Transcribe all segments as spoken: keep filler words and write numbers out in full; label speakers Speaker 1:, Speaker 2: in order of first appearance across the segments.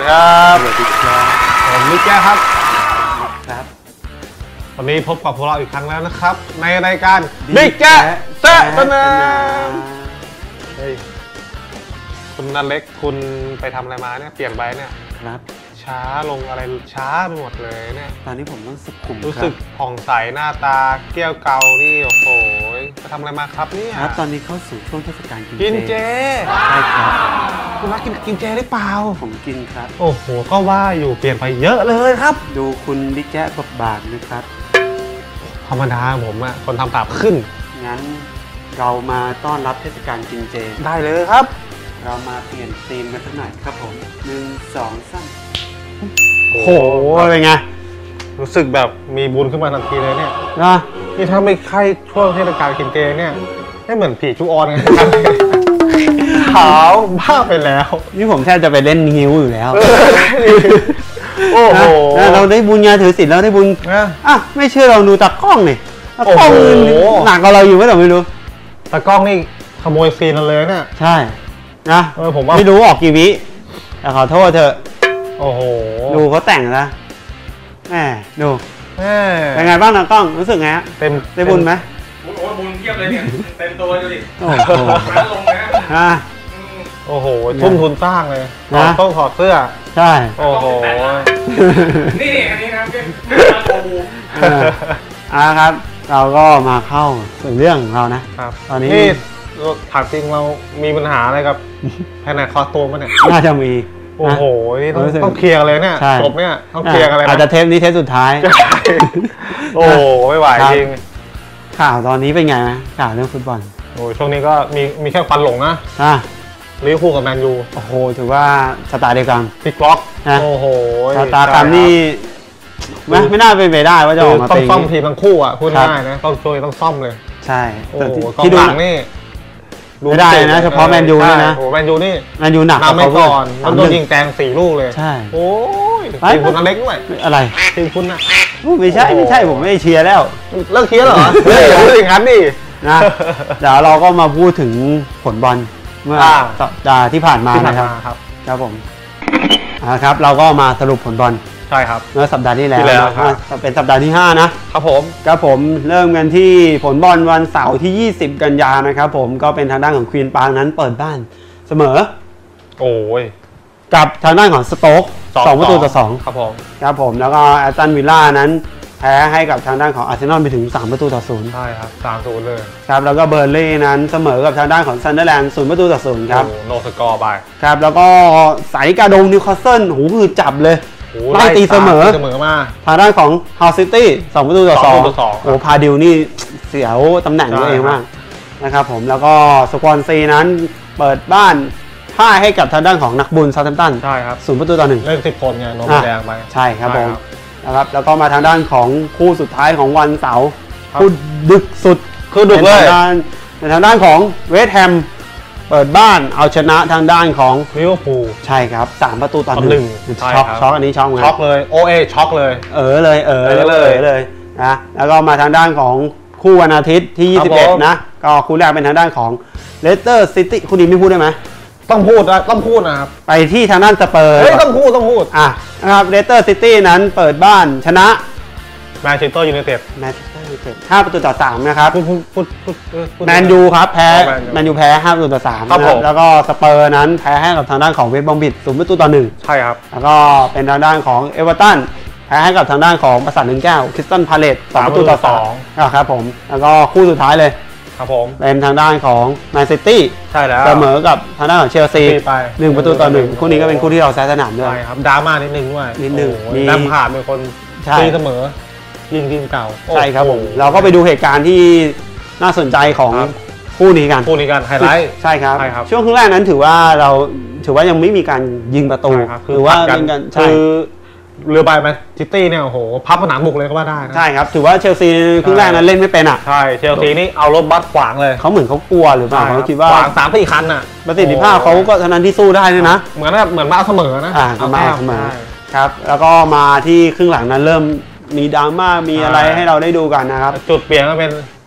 Speaker 1: ดีครับ
Speaker 2: สวัสดีครับ
Speaker 1: ผมมิกแก้ครับ
Speaker 2: ครับ
Speaker 1: วันนี้พบกับพวกเราอีกครั้งแล้วนะครับในรายการมิกแก้แซะตะนามเฮ้ยคุณนันเล็กคุณไปทำอะไรมาเนี่ยเปลี่ยนไปเนี่ย
Speaker 2: ครับ
Speaker 1: ช้าลงอะไรช้าไปหมดเลยเนี่ย
Speaker 2: ตอนนี้ผมต้องสุขุม
Speaker 1: รู้สึกผ่องใสหน้าตาเกี้ยวเกานี่โอ้โหไปทำอะไรมาครับเนี่ย
Speaker 2: ครับตอนนี้เข้าสู่ช่วงเทศกาลกินเจ
Speaker 1: กินเจ
Speaker 2: ใช่ครับ
Speaker 1: คุณรักกินกินเจหรือเปล่า
Speaker 2: ผมกินครับ
Speaker 1: โอ้โหก็ว่าอยู่เปลี่ยนไปเยอะเลยครับ
Speaker 2: ดูคุณบิ๊กแจ๊บบทบาทนะครับ
Speaker 1: ธรรมดาผมอะคนทำปากขึ้น
Speaker 2: งั้นเรามาต้อนรับเทศกาลกินเจ
Speaker 1: ได้เลยครับ
Speaker 2: เรามาเปลี่ยนธีมกันสักหน่อยครับผมหนึ่งสองสาม
Speaker 1: โอ้โหอะไรไงรู้สึกแบบมีบุญขึ้นมาทันทีเลยเนี่ย
Speaker 2: นะ
Speaker 1: นี่ถ้าไม่ใช่ช่วงเทศกาลกินเจเนี่ยไม่เหมือนผีชุออนไงขาวบ้าไปแล้ว
Speaker 2: นี่ผมแทบจะไปเล่นฮิวอยู่แล้ว
Speaker 1: โอ้โห
Speaker 2: เราได้บุญงานถือศีลเราได้บุญอ่ะไม่เชื่อเราดูตากล้องนี่ตากล้องหนักกว่าเราอยู่ไหมเราไม่รู้
Speaker 1: ตากล้องนี่ขโมยซีนเราเลยเนี่ย
Speaker 2: ใช่นะ
Speaker 1: ผมว่า
Speaker 2: ไม่รู้ออกกี่วิแต่ขอโทษเถอะ
Speaker 1: โอ้โห
Speaker 2: ดูเขาแต่งนะแหมดู
Speaker 1: แหม
Speaker 2: เป็นไงบ้างตากล้องรู้สึกไงฮะ
Speaker 1: เต็ม
Speaker 2: ได้บุญไหม
Speaker 3: โอ้โหบุญเทียบเลยเนี่ยเต็มตัวดูดิ
Speaker 2: โอ้โห
Speaker 3: ร้านลงนะ
Speaker 1: ฮะโอ้โหทุ่มทุนสร้างเลยต้องถอดเสื้อ
Speaker 2: ใช่
Speaker 1: โอ้โห
Speaker 3: นี่นี่อันนี้นะเป็นโอบู
Speaker 2: อ่าครับเราก็มาเข้าสู่เรื่องของเรานะครับตอนนี้
Speaker 1: นี่ถามจริงเรามีปัญหาอะไรกับแผนกคอตัวมั้ยเนี่ย
Speaker 2: น่าจะมี
Speaker 1: โอ้โหนี่ต้องต้องเคลียร์เลยเนี่ยจบเนี่ยต้องเคลียร์อะไร
Speaker 2: อาจจะเทปนี้เทปสุดท้าย
Speaker 1: โอ้ไม่ไหวจริง
Speaker 2: ข่าวตอนนี้เป็นไงนะข่าวเรื่องฟุตบอล
Speaker 1: โอ้ช่วงนี้ก็มีมีแค่ควันหลงนะ
Speaker 2: อ่ะ
Speaker 1: ลิเวอร์พูลกับแมนยู
Speaker 2: โอ้โหถือว่าสตาร์เดียวกัน
Speaker 1: พลิกล็อกโอ้โห
Speaker 2: สตาร์กันนี่ไม่ไม่น่าเป็นไปได้ว่าจะออกมา
Speaker 1: ต้องซ่อมทีมทั้งคู่อ่ะพูดง่ายนะต้องช่วยต้องซ่อมเลย
Speaker 2: ใช่
Speaker 1: แต่ที่ดูหลังนี่
Speaker 2: ไม่ได้นะเฉพาะแมนยูนี่นะ
Speaker 1: โอ้แมนยูนี่
Speaker 2: แมนยูหนัก
Speaker 1: นำไม่ก่อนมันโดนยิงแตงสี่ลูกเลย
Speaker 2: ใช่
Speaker 1: โอ้ยทีมคุณอเล็กด้วย
Speaker 2: อะไร
Speaker 1: ทีมคุณนะ
Speaker 2: ไม่ใช่ไม่ใช่ผมไม่เชียร์แล้ว
Speaker 1: เลิกเชียร์เหรอเลิกอย่างนั้นดิ
Speaker 2: นะเดี๋ยวเราก็มาพูดถึงผลบอลเมื่อสัปดาห์ที่ผ่านมานะครับครับผมนะครับเราก็มาสรุปผลบอล
Speaker 1: ใช่ครับ
Speaker 2: เมื่อสัปดาห์ที่แล้วเป็นสัปดาห์ที่ห้านะครับ
Speaker 1: ผม
Speaker 2: ครับผมเริ่มกันที่ผลบอลวันเสาร์ที่ยี่สิบกันยายนนะครับผมก็เป็นทางด้านของควีนปาร์คนั้นเปิดบ้านเสมอ
Speaker 1: โอ้ย
Speaker 2: กับทางด้านของสโต๊กสองประตูต่อสอง
Speaker 1: ครับผม
Speaker 2: ครับผมแล้วก็แอสตันวิลล่านั้นแพ้ให้กับทางด้านของอาร์เซนอลไปถึงสามประตูต่อศูนย์
Speaker 1: ใช่ครับสามศูนย์เลย
Speaker 2: ครับแล้วก็เบอร์ลี่นั้นเสมอกับทางด้านของซันเดอร์แลนด์ศูนย์ประตูต่อศูนย์ครับ
Speaker 1: โนสกอร์ไป
Speaker 2: ครับแล้วก็สายกาดงนิวคาสเซิลหูคือจับเลยไล่ตีเสมอ
Speaker 1: เสมอมา
Speaker 2: ทางด้านของฮาวซิตี้สองประตูต่อสองโอ้พาดิวนี่เสียวตำแหน่งตัวเองมากนะครับผมแล้วก็สควอนซีนั้นเปิดบ้านพ่ายให้กับทางด้านของนักบุญซาท์แฮมป์ตัน
Speaker 1: ใช่ครับ
Speaker 2: ศูนย์ประตูต่อหนึ่ง
Speaker 1: เล่นสิบคนไงโดนแดงไป
Speaker 2: ใช่ครับผมนะครับแล้วก็มาทางด้านของคู่สุดท้ายของวันเสาร์คู่ดึกสุด
Speaker 1: คือดึกเลย
Speaker 2: ในทางด้านของเวสต์แฮมเปิดบ้านเอาชนะทางด้านของ
Speaker 1: ลิเวอร์พูล
Speaker 2: ใช่ครับสามประตูต่อหนึ่งช็อกช็อกอันนี้ช็อกไง
Speaker 1: ช็อกเลยโอเอช็อกเลย
Speaker 2: เออเลยเออเลยเลยนะแล้วก็มาทางด้านของคู่วันอาทิตย์ที่ยี่สิบเอ็ดนะก็คู่แรกเป็นทางด้านของเลสเตอร์ซิตี้คู่นี้ไม่พูดได้ไหม
Speaker 1: ต้องพูดนะต้องพูดนะครับ
Speaker 2: ไปที่ทางด้านสเปอร์
Speaker 1: เฮ้ยต้องพูดต้องพูด
Speaker 2: อ่ะนะครับเลสเตอร์ซิตี้นั้นเปิดบ้านชนะ
Speaker 1: แมนเชสเตอร์ยูไนเต็ด
Speaker 2: แมนเชสเตอร์ยูไนเต็ดห้าประตูต่อสามนะครับ
Speaker 1: พูดพูดพูด
Speaker 2: พูดแมนยูครับแพ้แมนยูแพ้ห้าประตูต่อสามนะครับแล้วก็สเปอร์นั้นแพ้ให้กับทางด้านของเวสต์บรอมบิชศูนย์ประตูต่อหนึ่ง
Speaker 1: ใช่ครับ
Speaker 2: แล้วก็เป็นทางด้านของเอเวอร์ตันแพ้ให้กับทางด้านของปราสาทหนึ่งแก้วคริสตัลพาเลซสองประตูต่อสองครับผมแล้วก็คู่สุดท้ายเลย
Speaker 1: ครับผม
Speaker 2: เป็นทางด้านของแมนซิตี้
Speaker 1: ใช่แล้ว
Speaker 2: เสมอกับทางด้านของเชลซีหนึ่งประตูต่อหนึ่งคู่นี้ก็เป็นคู่ที่เราแซะสนามด้วย
Speaker 1: ใช่ครับดราม่านิดนึงด้วย
Speaker 2: นิดนึง
Speaker 1: มีน้ำผ่านเป็นคนตีเสมอยิงทีมเก่า
Speaker 2: ใช่ครับผมเราก็ไปดูเหตุการณ์ที่น่าสนใจของคู่นี้กัน
Speaker 1: คู่นี้กันไฮไลท์
Speaker 2: ใช่ครับช่วงครึ่งแรกนั้นถือว่าเราถือว่ายังไม่มีการยิงประตู
Speaker 1: หรือว่าเป็นการคือเรือใบแมนซิตี้เนี่ยโอ้โหพับผนังบุกเลยก็ว่าได้
Speaker 2: ใช่ครับถือว่าเชลซีครึ่งแรกนั้นเล่นไม่เป็นอ่ะ
Speaker 1: ใช่เชลซีนี่เอารถบัสขวางเลย
Speaker 2: เขาเหมือนเขากลัวหรือเปล่าเขาคิดว่า
Speaker 1: ขวางสามสี่คันอ่ะ
Speaker 2: ประสิทธิภาพเขาก็เท่านั้นที่สู้ได้เลยนะ
Speaker 1: เหมือนแบบเหมือนมาเสมอนะ
Speaker 2: อ่ามาเสมอครับแล้วก็มาที่ครึ่งหลังนั้นเริ่มมีดราม่ามีอะไรให้เราได้ดูกันนะครับ
Speaker 1: จุดเปลี่ยนก็เป็น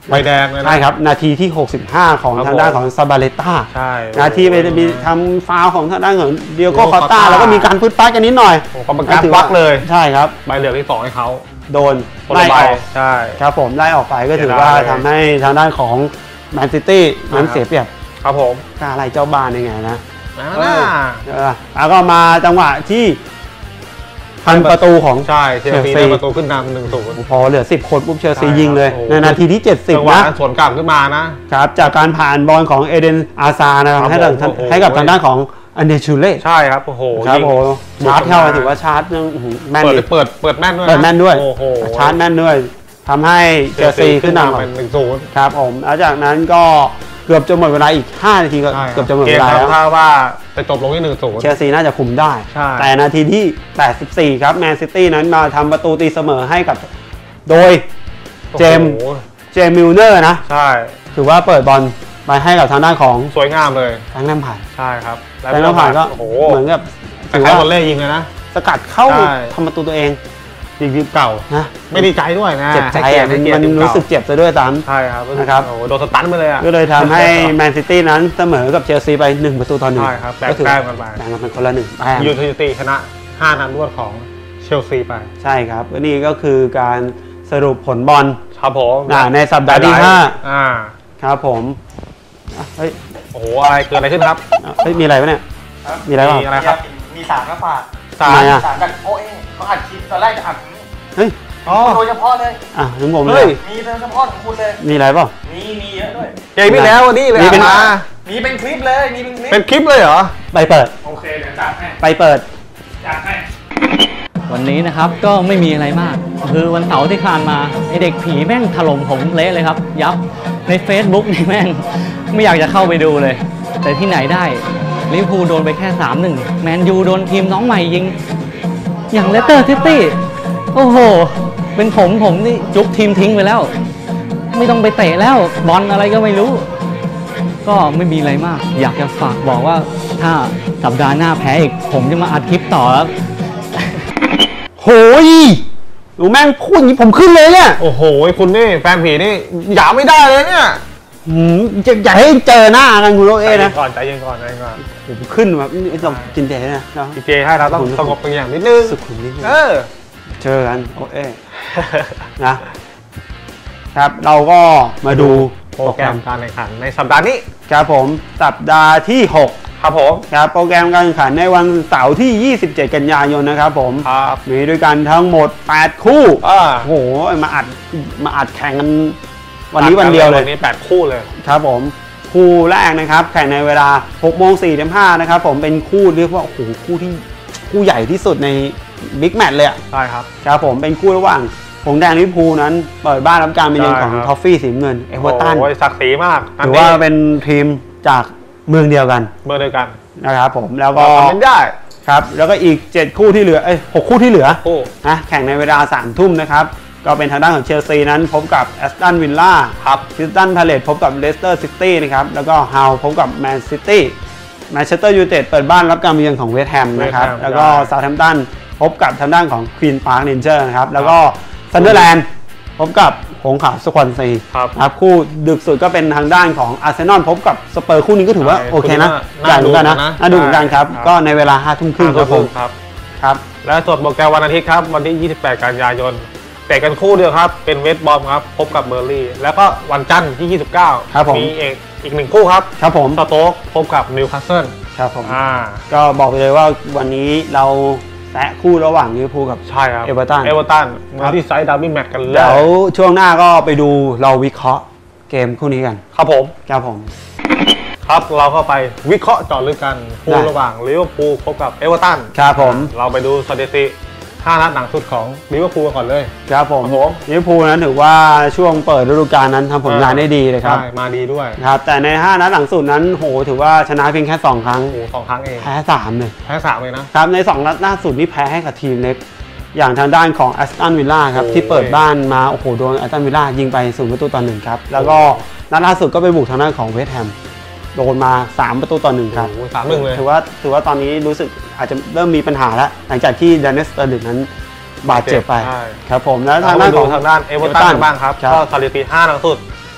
Speaker 1: ใบแดงเลยนะ
Speaker 2: ใช่ครับนาทีที่หกสิบห้าของ
Speaker 1: ครับ
Speaker 2: ทางด้านของซาบาเลต้า
Speaker 1: ใช่
Speaker 2: นาทีไปมีทำฟาวล์ของทางด้านของเดียโก้
Speaker 1: Diogo
Speaker 2: คอตตา
Speaker 1: Costa
Speaker 2: แล้วก็มีการพืดฟัดกันนิดหน่อย
Speaker 1: โอ้กรรมการ
Speaker 2: ถือ
Speaker 1: วักเลย
Speaker 2: ใช่ครับ
Speaker 1: ใบเหลืองที่สองให้เขา
Speaker 2: โดน
Speaker 1: คน
Speaker 2: ไล่
Speaker 1: ละใบ
Speaker 2: ออก
Speaker 1: ใช่
Speaker 2: ครับผมไล่ออกไปก็ถือ
Speaker 1: เสียดาย
Speaker 2: ว่า
Speaker 1: เลย
Speaker 2: ทำให้ทางด้านของแมนซิตี้นั้น
Speaker 1: อ่า
Speaker 2: เสียเปรียบ
Speaker 1: ครับผม
Speaker 2: กล้าไล่เจ้าบ้านยังไงนะ
Speaker 1: อ่า
Speaker 2: เออเออแล้วก็มาจังหวะที่พันประตูของ
Speaker 1: ใช่เชลซี
Speaker 2: เชลซี
Speaker 1: ได้ประตูขึ้นนำหนึ่งศูนย์
Speaker 2: พอเหลือสิบคนปุ๊บเชลซี
Speaker 1: ใช่
Speaker 2: ยิงเลย
Speaker 1: ครับโอ้โห
Speaker 2: ในนาทีที่เจ็ดสิบ
Speaker 1: จังหวะ
Speaker 2: นะ
Speaker 1: นั้นสวนกลับขึ้นมานะ
Speaker 2: ครับจากการผ่านบอลของเอเดนอาซานะครับ
Speaker 1: ครับ
Speaker 2: ให้กับ
Speaker 1: ผมโอ้โห
Speaker 2: ให้กับทางด้านของอันเดชูเล่
Speaker 1: ใช่ครับโอ้โห
Speaker 2: ครับ
Speaker 1: ยิง
Speaker 2: โอ้โหชาร์จเข้าถือว่าชาร์จยังอื้อหือแม่น
Speaker 1: เปิด
Speaker 2: ดิ
Speaker 1: เปิดเปิดแม่นด้วยะ
Speaker 2: เปิดแม่นด้วย
Speaker 1: โอ้โห
Speaker 2: ชาร์จแม่นด้วยทำให้เชลซีขึ้นนำก่อ
Speaker 1: เป็น นหนึ่งศูนย์
Speaker 2: ครับผมแล้วจากนั้นก็เกือบจะหมดเวลาอีกห้านาทีก็เกือบจะหมด
Speaker 1: เก
Speaker 2: เว
Speaker 1: ม
Speaker 2: ลา
Speaker 1: ทำ
Speaker 2: แล้ว
Speaker 1: ท่าว่าจะจบลงที่หนึ่งศูนย์
Speaker 2: เชลซีน่าจะคุมได้
Speaker 1: ใช่
Speaker 2: แต่นาทีที่แปดสิบสี่ครับแมนซิตี้นั้นมาทำประตูตีเสมอให้กับโดยเจมส์
Speaker 1: โอ้โห
Speaker 2: เจมส์มิลเนอร์นะ
Speaker 1: ใช่
Speaker 2: ถือว่าเปิดบอลไปให้กับทางด้านของ
Speaker 1: สวยงามเลย
Speaker 2: แฟรงค์แลมพาร์ด
Speaker 1: ใช่ครับ
Speaker 2: แฟรงค์แลมพาร์ดก็
Speaker 1: โอ้โห
Speaker 2: เหมือนกับ
Speaker 1: แต่
Speaker 2: ถือ
Speaker 1: ใคร
Speaker 2: ว่า
Speaker 1: บอลเล่ยิงเลยนะ
Speaker 2: สกัดเข้า
Speaker 1: ใช่
Speaker 2: ทำประตูตัวเอง
Speaker 1: ยิงทีมเก่า
Speaker 2: นะ
Speaker 1: ไม่ดีใจด้วยนะ
Speaker 2: เจ็บใจ
Speaker 1: ให้กียร
Speaker 2: อ่ะ
Speaker 1: ติ
Speaker 2: มัน
Speaker 1: ให้เกีย
Speaker 2: มั
Speaker 1: ติ
Speaker 2: น
Speaker 1: ทีเก่า
Speaker 2: รู้สึกเจ็บซะด้วยซ้
Speaker 1: ใช่ครับ
Speaker 2: นะครับ
Speaker 1: โอ้โหโดนสตันไปเลยอ่ะ
Speaker 2: ำก็เลยทำให้แมนซิตี้นั้นเสมอกับเชลซีไปหนึ่งประตูต่อหนึ่ง
Speaker 1: ใช่ครับแบ่ง
Speaker 2: ก็ถือ
Speaker 1: แต้มกันไป
Speaker 2: แบ่งกันเป็นคนละหนึ่งแต้ม
Speaker 1: ยูไนเต็ดชนะห้านัดรวดของเชลซีไป
Speaker 2: ใช่ครับก็นี่ก็คือการสรุปผลบอล
Speaker 1: ครับผม
Speaker 2: อ่าในสัปดาห์ที่ห้า
Speaker 1: อ่า
Speaker 2: ครับผมอ่ะเฮ้ย
Speaker 1: โอ้โหอะไรเกิดอะไรขึ้นครับ
Speaker 2: อ่ะเฮ้ยมีอะไรวะเนี่ย มีอะไรบ้าง
Speaker 1: มีอะไรครับ
Speaker 3: มีสารมาฝาก
Speaker 1: สา
Speaker 2: ทำไม
Speaker 1: ร
Speaker 2: อ่ะ
Speaker 3: สารจากโอเอเขาอัดคลิปตอนแรกจะอัด
Speaker 2: เฮ้ย
Speaker 1: อ๋อ
Speaker 3: โดยเฉพาะเลย
Speaker 2: อ่ะถึงผมเล
Speaker 1: เฮ้
Speaker 2: ย
Speaker 1: ย
Speaker 3: มีโดยเฉพาะของคุณเลย
Speaker 2: มีอะไรเปล่า
Speaker 3: มีมีเยอะด้วย
Speaker 1: เกมที่แล้ววันนี้เลย
Speaker 2: มีเป็น
Speaker 1: มา
Speaker 3: มีเป็นคลิปเลย มีเป็นคลิป
Speaker 1: เป็นคลิปเลยเหรอ
Speaker 2: ไปเปิด
Speaker 3: โอเคเดี๋ยวจัดให้
Speaker 2: ไปเปิด
Speaker 3: จัดให้
Speaker 4: วันนี้นะครับก็ไม่มีอะไรมาก คือวันเสาร์ที่ผ่านมาไอเด็กผีแม่งถล่มผมเละเลยครับ ยับใน Facebook นี่แม่งไม่อยากจะเข้าไปดูเลย แต่ที่ไหนได้ลิเวอร์พูลโดนไปแค่ สามหนึ่ง แมนยูโดนทีมน้องใหม่ยิง อย่างเลสเตอร์ซิตี้โอ้โห เป็นผมผมนี่จุกทีมทิ้งไปแล้ว ไม่ต้องไปเตะแล้วบอลอะไรก็ไม่รู้ ก็ไม่มีอะไรมาก อยากจะฝากบอกว่าถ้าสัปดาห์หน้าแพ้อีก ผมจะมาอัดคลิปต่อแล้ว
Speaker 2: โหยหนูแม่งพูดอย่างนี้ผมขึ้นเลยเนี่ย
Speaker 1: โอ้โหคุณนี่แฟนผีนี่หยาไม่ได้เลยเนี่ย
Speaker 2: หืมจะอย่าให้เจอหน้ากันคุณโรเอ้
Speaker 1: ใจเย็
Speaker 2: นะ
Speaker 1: นก่อนใจเย็นก่อนใจเย็นก่อน
Speaker 2: ผมขึ้นแบบนี่ต้องกินเจนะเนาะ
Speaker 1: อีเจให้เราต้องสงบตัวอย่างนิดนึง
Speaker 2: สุขุมนิดนึง
Speaker 1: เออ
Speaker 2: เจอกันโอเอ้นะ ครับเราก็มาดู
Speaker 1: โปรแกรมการแข่งขันในสัปดาห์นี้
Speaker 2: ครับผมสัปดาห์ที่หก
Speaker 1: ครับผม
Speaker 2: ครับโปรแกรมการแข่งขันในวันเสาร์ที่ยี่สิบเจ็ดกันยายนนะครับผม
Speaker 1: ครับ
Speaker 2: มีด้วยกันทั้งหมดแปดคู่
Speaker 1: อ่า
Speaker 2: โอ้โหมาอัดมาอัดแข่งกันวันนี้วันเดียวเลย
Speaker 1: วันนี้แปดคู่เลย
Speaker 2: ครับผมคู่แรกนะครับแข่งในเวลาหกโมงสี่สิบห้านะครับผมเป็นคู่เรียกว่าโอ้โหคู่ที่คู่ใหญ่ที่สุดในบิ๊กแมตช์เลยอะ
Speaker 1: ใช่ครับ
Speaker 2: ครับผมเป็นคู่ระหว่างหงส์แดงลิเวอร์พูลนั้นเปิดบ้านรับการมาเยือนของ
Speaker 1: ใช่ครับ
Speaker 2: ทอฟฟี่สีน้ำเงินเอเวอร์ตัน
Speaker 1: โอ้ยศักดิ์ศรีมาก
Speaker 2: ถือว่าเป็นทีมจากเมืองเดียวกัน
Speaker 1: เบอร์เดียวกัน
Speaker 2: นะครับผมแล้วก็
Speaker 1: ทำเป็นได้
Speaker 2: ครับแล้วก็อีกเจ็ดคู่ที่เหลือเอ้ยหกคู่ที่เหลือ
Speaker 1: คู่
Speaker 2: นะแข่งในเวลาสามทุ่มนะครับก็เป็นทางด้านของเชลซีนั้นพบกับแอสตันวิลล่า
Speaker 1: ครับ
Speaker 2: คริสตันพาเลตพบกับเลสเตอร์ซิตี้นะครับแล้วก็ฮาวพบกับแมนซิตี้แมนเชสเตอร์ยูไนเต็ดเปิดบ้านรับการมาเยือนของเวสต์แฮมนะครับ
Speaker 1: West Ham
Speaker 2: แล้วก็
Speaker 1: ได้
Speaker 2: เซาท์แฮมป์ตันพบกับทางด้านของควีนพาร์คเรนเจอร์นะครับแล้วก็ซันเดอร์แลนด์พบกับหงส์ขาวสควอนซี
Speaker 1: ครับ
Speaker 2: นะครับคู่ดึกสุดก็เป็นทางด้านของอาร์เซนอลพบกับสเปอร์คู่นี้ก็ถือว่า
Speaker 1: ใช่
Speaker 2: โอเคนะ
Speaker 1: คู่นี้
Speaker 2: ใหญ่เหมือนกันนะ
Speaker 1: น่า
Speaker 2: น่า
Speaker 1: ดู
Speaker 2: ดูเหมือนกันครับ
Speaker 1: ใช่ครับ
Speaker 2: ก็ในเวลาห้าทุ่มครึ่งครับผม
Speaker 1: ครับ
Speaker 2: ครับ
Speaker 1: และส่วนโปรแกรมวันอาทิตย์ครับ วันที่ ยี่สิบแปด กันยายนเตะกันคู่เดียวครับ เป็นเวสต์บอมครับ พบกับเบอร์ลี่ แล้วก็วันจันทร์ที่ ยี่สิบเก้า
Speaker 2: ครับผม
Speaker 1: มีเอกอีกหนึ่งคู่ครับ
Speaker 2: ครับผม
Speaker 1: สโต๊กพบกับนิวคาสเซิล
Speaker 2: ครับผม
Speaker 1: อ่า
Speaker 2: ก็บอกไปเลยว่าวันนี้เราแตะคู่ระหว่างลิเวอร์พูลกับ
Speaker 1: ใช่ครับ
Speaker 2: เอเวอร์ตัน
Speaker 1: เอเวอร์ตัน
Speaker 2: ครั
Speaker 1: มา
Speaker 2: บ
Speaker 1: ที่ไซด์ดับบิลแมตช์กันเล
Speaker 2: เดี๋ยวย ช่วงหน้าก็ไปดูเราวิเคราะห์เกมคู่นี้กัน
Speaker 1: ครับผม
Speaker 2: ครับผม
Speaker 1: ครับเราก็ไปวิเคราะห์เจาะลึกกันคู่
Speaker 2: ได้
Speaker 1: ระหว่างลิเวอร์พูลพบกับเอเวอร์ตัน
Speaker 2: ครับผม
Speaker 1: เราไปดูสถิติห้านัดหนังสุดของลิเวอร์พูลก่อนเลย
Speaker 2: ครับผม
Speaker 1: ครับผม
Speaker 2: ลิเวอร์พูลนั้นถือว่าช่วงเปิดฤดูกาลนั้นทำผลงานได้ดีเลยครับ
Speaker 1: ใช่มาดีด้วย
Speaker 2: ครับแต่ในห้านัดหลังสุดนั้นโหถือว่าชนะเพียงแค่สองครั้ง
Speaker 1: โอ้โหสองครั้งเอง
Speaker 2: แพ้สามเลย
Speaker 1: แพ้สามเลยนะ
Speaker 2: ครับในสองนัดล่าสุดนี่แพ้ให้กับทีมเล็ก อย่างทางด้านของแอสตันวิลล่าครับ
Speaker 1: โอ้ย
Speaker 2: ที่เปิดบ้านมาโอ้โหโดนแอสตันวิลล่ายิงไปศูนย์ประตูต่อหนึ่งครับแล้วก็นัดล่าสุดก็ไปบุกทางด้านของเวสต์แฮมโดนมาสามประตูต่อหนึ่งครับ
Speaker 1: โอ้โหสามหนึ่งเลย
Speaker 2: ถือว่าถือว่าตอนนี้รู้สึกอาจจะเริ่มมีปัญหาแล้ว หลังจากที่ดานเนสเตอร์ลิกนั้นบาดเจ็บไป
Speaker 1: ใช่
Speaker 2: ครับผมแล้ว
Speaker 1: ทา
Speaker 2: ทาง ง
Speaker 1: ด้า
Speaker 2: ด้าน น
Speaker 1: ข
Speaker 2: ข
Speaker 1: อ
Speaker 2: อง ง
Speaker 1: ทางด้านเอเวอร์ตันบ้างครับ
Speaker 2: ครับ
Speaker 1: ก็สถิติห้านัดสุด